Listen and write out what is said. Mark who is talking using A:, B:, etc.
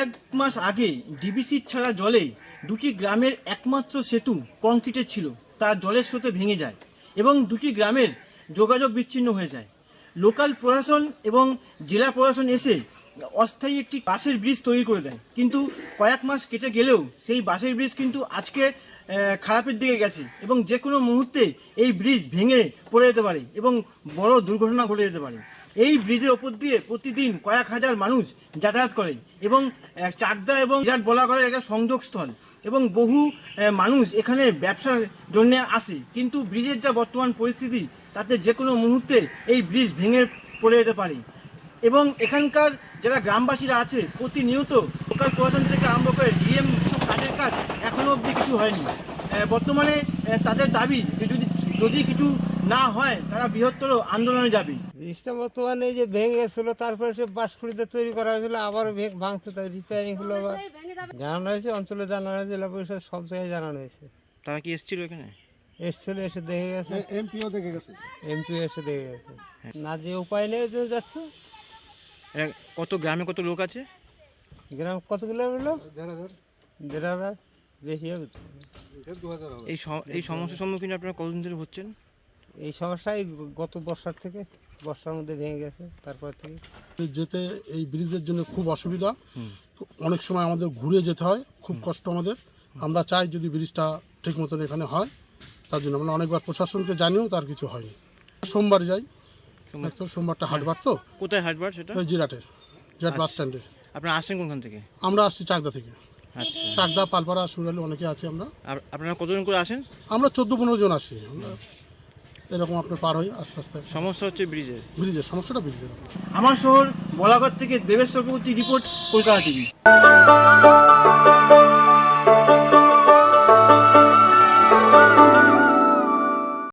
A: কয়েক মাস আগে ডিবিসির ছাড়া জলে দুটি গ্রামের একমাত্র সেতু কংক্রিটের ছিল, তা জলের স্রোতে ভেঙে যায় এবং দুটি গ্রামের যোগাযোগ বিচ্ছিন্ন হয়ে যায়। লোকাল প্রশাসন এবং জেলা প্রশাসন এসে অস্থায়ী একটি বাঁশের ব্রিজ তৈরি করে দেয়, কিন্তু কয়েক মাস কেটে গেলেও সেই বাঁশের ব্রিজ কিন্তু আজকে খারাপের দিকে গেছে এবং যে কোনো মুহূর্তে এই ব্রিজ ভেঙে পড়ে যেতে পারে এবং বড় দুর্ঘটনা ঘটে যেতে পারে। এই ব্রিজের ওপর দিয়ে প্রতিদিন কয়েক হাজার মানুষ যাতায়াত করে এবং চাকদা এবং বিরাট বলাগড়ের একটা সংযোগস্থল এবং বহু মানুষ এখানে ব্যবসার জন্য আসে, কিন্তু ব্রিজের যা বর্তমান পরিস্থিতি তাতে যে কোনো মুহূর্তে এই ব্রিজ ভেঙে পড়ে যেতে পারে এবং এখানকার যারা গ্রামবাসীরা আছে প্রতিনিয়ত লোকাল প্রশাসন থেকে আরম্ভ করে ডিএম কাজের কাজ এখনো অবধি কিছু হয়নি। বর্তমানে তাদের দাবি যে যদি কিছু না হয় তারা বৃহত্তর আন্দোলনে যাবে।
B: ব্রিজটা বর্তমানে যে ভেঙে গেছিল, তারপরে সে বাঁশকুড়িতে তৈরি করা হয়েছিল, আবারও ভাঙছে, তাই রিপেয়ারিং হলো, আবার জানানো হয়েছে, অঞ্চলে জানানো হয়েছে, জেলা পরিষদ সব জায়গায় জানানো হয়েছে।
A: তারা কি এসেছিল এখানে?
B: এসছিল, এসে দেখে গেছে,
C: এমপিও দেখে গেছে,
B: এমপিও এসে দেখে গেছে। না যে উপায় নেই যাচ্ছে।
A: কত গ্রামে কত লোক আছে?
B: গ্রাম কতগুলো হলো? 1,500 বেশি হবে।
A: এই সমস্যার সম্মুখীন আপনারা কতদিন ধরে হচ্ছেন?
B: এই সমস্যাই গত বর্ষার থেকে, বর্ষার মধ্যে ভেঙে গেছে, তারপর থেকে
C: যেতে এই ব্রিজের জন্য খুব অসুবিধা। অনেক সময় আমাদের ঘুরে যেতে হয়, খুব কষ্ট আমাদের। আমরা চাই যদি ব্রিজটা ঠিক মতন এখানে হয়, তার জন্য আমরা অনেকবার প্রশাসনকে জানিও, তার কিছু হয়নি। সোমবার যাই, সোমবারটা হাটবার। তো
A: কোথায় হাটবার সেটা?
C: ওই জিরাট বাস স্ট্যান্ডে।
A: আপনারা আসছেন কোনখান থেকে?
C: আমরা আসছি চাকদা থেকে।
A: আচ্ছা,
C: চাকদা, পালপাড়া, সুরালি অনেকে আছে।
A: আপনারা কতজন করে আসেন?
C: আমরা 14-15 জন আসি। আমরা এরকম আপনার পার হই আস্তে আস্তে।
A: সমস্যা হচ্ছে ব্রিজের
C: সমস্যাটা ব্রিজের।
A: আমার শহর বলাগড় থেকে দেবেশ চক্রবর্তী রিপোর্ট, কলকাতা টিভি।